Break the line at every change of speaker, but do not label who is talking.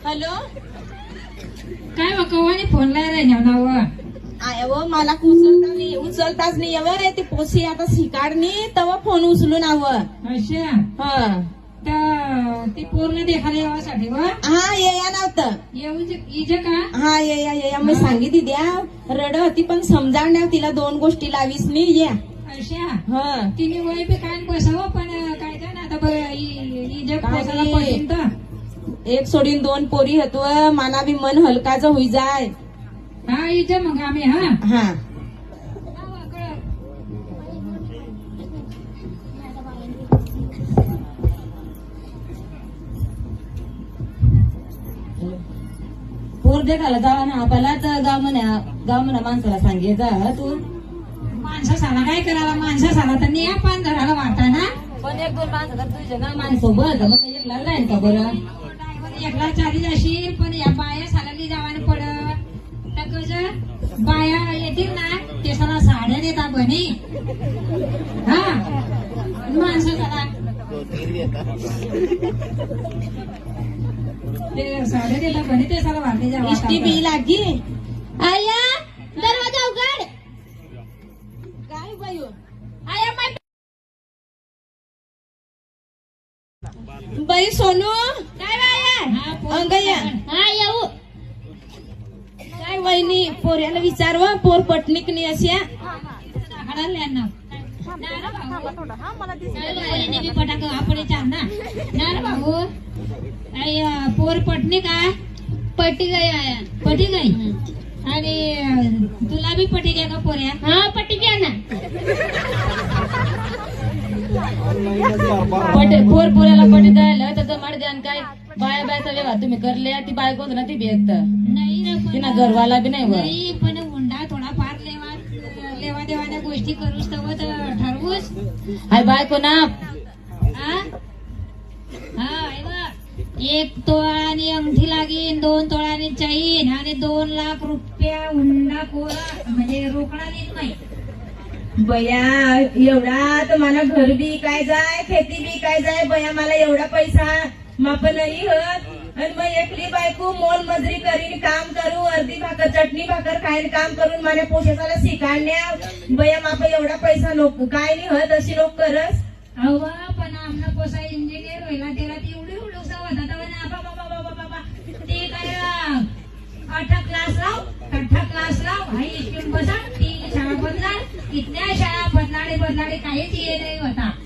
Hello
काय बा कवानी फोन लाय नाव
आय व मला उचलताच नाही रे ती पोसी आता शिकाडनी तवा फोन उचलून
अच्छा
हा
ती पूर्ण देखायला यावासाठी व
हा ये या नव्हतं
येऊ का
हा ये या मी सांगितली द्या रड होती पण समजावण्या तिला 2 गोष्टी लावीस मी या
अच्छा
हा
तिने वय पे काय बसावं पण काय काय ना आता इजक पोसायला पडीन तर
एक सोडीन 2 पोरी हतव माना बी मन हलकाच होई जाय
हा इथे मग आम्ही हा
हा
पूर देखायला जावा ना आपल्याला तर गाव म्हणा माणसाला सांगायचा तू
माणसाला काय करायला माणसाला तर नाही आपण धरायला वाटा ना
पण 1-2 माणसं तर तुझ्या ना माणसोबत मग एकला जाईन का बरं
एकला चाली जाशील पण या बाया सालाली जावाने पडत तर कसं बाया येतील ना ते सला साड्या देतात बनी हा माणसाला ते साड्या देतात बनी ते सला वाटले जावा
इष्टी बी लागी
आया दरवाजा उघड.
काय बायू
आया माय
बाई सोनू
काय बाया
अंगया
हा येऊ
काय वहिनी पोऱ्याला विचारव पोर पटणीकनी अशा
पटाक आपण ना ना भाऊ पोर पटणी का
पट्टी गई आया
पटी गई आणि तुला बी पटी घ्या का पोऱ्या
हा पट्टी घ्या ना
पोऱ्याला पटी द्यायला तर माड द्यान काय बाया बायचा व्यवहार तुम्ही करले ती बायको ना ती भेट
नाही रे पण-
तिना घरवाला बी नाही व
नाही पण हुंडा थोडा फार लेवा देवाने गोष्टी करूच तव ठरवूच
हाय बायको ना
हा हे बघ. 1 तोळा आणि अंगठी लागीन 2 तोळाने चैन आणि 2 लाख रुपया हुंडा कोरा म्हणजे रोकडा देत नाही
बया एवढा तर मला घर बी काय जाय खेती बी काय जाय बया मला एवढा पैसा माप नाही होत आणि मग एकली बायको मोल मजुरी करीन काम करू अर्धी भाकर चटणी भाकर खाईन काम करून माझ्या पोशाला शिकाण्या बया माप एवढा पैसा लोक काय नाही होत अशी लोक करस
अहो पण आमना कोसा इंजिनियर व्हायला त्याला ती एवढी उडूसा होता ते काय 8 क्लास लाव हाई स्कूल बसा 3 शाळा बदला इथल्या शाळा बदलाडे काहीच ये नाही होता